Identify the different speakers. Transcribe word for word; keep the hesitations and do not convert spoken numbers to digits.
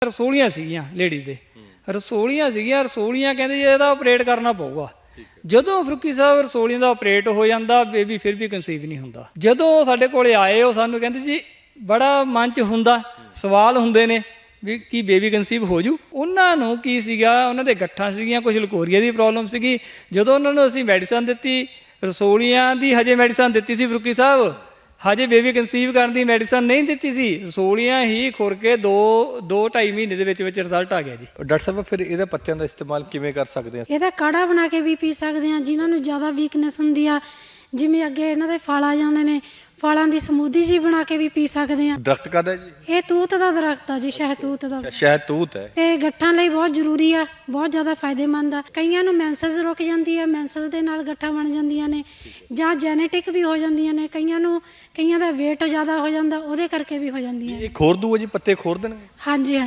Speaker 1: ਰਸੋਲੀਆਂ ਸੀਗੀਆਂ ਲੇਡੀ ਦੇ ਰਸੋਲੀਆਂ ਸੀਗੀਆਂ ਰਸੋਲੀਆਂ ਕਹਿੰਦੇ ਜੀ ਇਹਦਾ ਆਪਰੇਟ ਕਰਨਾ ਪਊਗਾ। ਜਦੋਂ ਫਰੂਕੀ ਸਾਹਿਬ ਰਸੋਲੀਆਂ ਦਾ ਆਪਰੇਟ ਹੋ ਜਾਂਦਾ ਬੇਬੀ ਫਿਰ ਵੀ ਕਨਸੀਵ ਨਹੀਂ ਹੁੰਦਾ। ਜਦੋਂ ਸਾਡੇ ਕੋਲੇ ਆਏ ਉਹ ਸਾਨੂੰ ਕਹਿੰਦੇ ਜੀ ਬੜਾ ਮਨ 'ਚ ਹੁੰਦਾ ਸਵਾਲ ਹੁੰਦੇ ਨੇ ਵੀ ਕੀ ਬੇਬੀ ਕਨਸੀਵ ਹੋ ਜੂ। ਉਹਨਾਂ ਨੂੰ ਕੀ ਸੀਗਾ ਉਹਨਾਂ ਦੇ ਗੱਠਾਂ ਸੀਗੀਆਂ ਕੁਝ ਲਕੋਰੀਆ ਦੀ ਪ੍ਰੋਬਲਮ ਸੀਗੀ। ਜਦੋਂ ਉਹਨਾਂ ਨੂੰ ਅਸੀਂ ਮੈਡੀਸਨ ਦਿੱਤੀ ਰਸੋਲੀਆਂ ਦੀ ਹਜੇ ਮੈਡੀਸਨ ਦਿੱਤੀ ਸੀ ਫਰੂਕੀ ਸਾਹਿਬ ਹਜੇ ਬੇਬੀ ਕਨਸੀਵ ਕਰਨ ਦੀ ਮੈਡੀਸਨ ਨਹੀਂ ਦਿੱਤੀ ਸੀ। ਰਸੋਲੀਆਂ ਹੀ ਖੁਰ ਕੇ ਦੋ ਦੋ ਢਾਈ ਮਹੀਨੇ ਦੇ ਵਿੱਚ ਵਿੱਚ ਰਿਜ਼ਲਟ ਆ ਗਿਆ ਜੀ।
Speaker 2: ਡਾਕਟਰ ਸਾਹਿਬ ਫਿਰ ਇਹਦਾ ਪੱਤਿਆਂ ਦਾ ਇਸਤੇਮਾਲ ਕਿਵੇਂ ਕਰ ਸਕਦੇ ਹਾਂ?
Speaker 3: ਇਹਦਾ ਕਾੜਾ ਬਣਾ ਕੇ ਵੀ ਪੀ ਸਕਦੇ ਹਾਂ। ਜਿਨ੍ਹਾਂ ਨੂੰ ਜ਼ਿਆਦਾ ਵੀਕਨੈਸ ਹੁੰਦੀ ਆ ਜਿਵੇਂ ਅੱਗੇ ਇਹਨਾਂ ਦੇ ਫਲ ਆ ਜਾਂਦੇ ਨੇ ਫਲਾਂ ਦੀ ਸਮੂਦੀ ਜੀ ਬਣਾ ਕੇ ਵੀ ਪੀ ਸਕਦੇ ਹਾਂ।
Speaker 2: ਦਰਖਤ ਕਾਹਦਾ ਜੀ?
Speaker 3: ਇਹ ਤੂਤ ਦਾ ਦਰਖਤ ਆ ਜੀ ਸ਼ਹਿਤੂਤ ਦਾ।
Speaker 2: ਸ਼ਹਿਤੂਤ ਹੈ
Speaker 3: ਤੇ ਗੱਠਾਂ ਲਈ ਬਹੁਤ ਜ਼ਰੂਰੀ ਆ ਬਹੁਤ ਜ਼ਿਆਦਾ ਫਾਇਦੇਮੰਦ ਆ। ਕਈਆਂ ਨੂੰ ਮੈਂਸਸ ਰੁਕ ਜਾਂਦੀ ਆ ਮੈਂਸਸ ਦੇ ਨਾਲ ਗੱਠਾਂ ਬਣ ਜਾਂਦੀਆਂ ਨੇ ਜਾਂ ਜੈਨੇਟਿਕ ਵੀ ਹੋ ਜਾਂਦੀਆਂ ਨੇ। ਕਈਆਂ ਨੂੰ ਕਈਆਂ ਦਾ ਵੇਟ ਜ਼ਿਆਦਾ ਹੋ ਜਾਂਦਾ ਉਹਦੇ ਕਰਕੇ ਵੀ ਹੋ ਜਾਂਦੀਆਂ।
Speaker 2: ਇਹ ਖੋਰ ਦੂ ਜੀ ਪੱਤੇ ਖੋਰ ਦੇਣਗੇ?
Speaker 3: ਹਾਂਜੀ।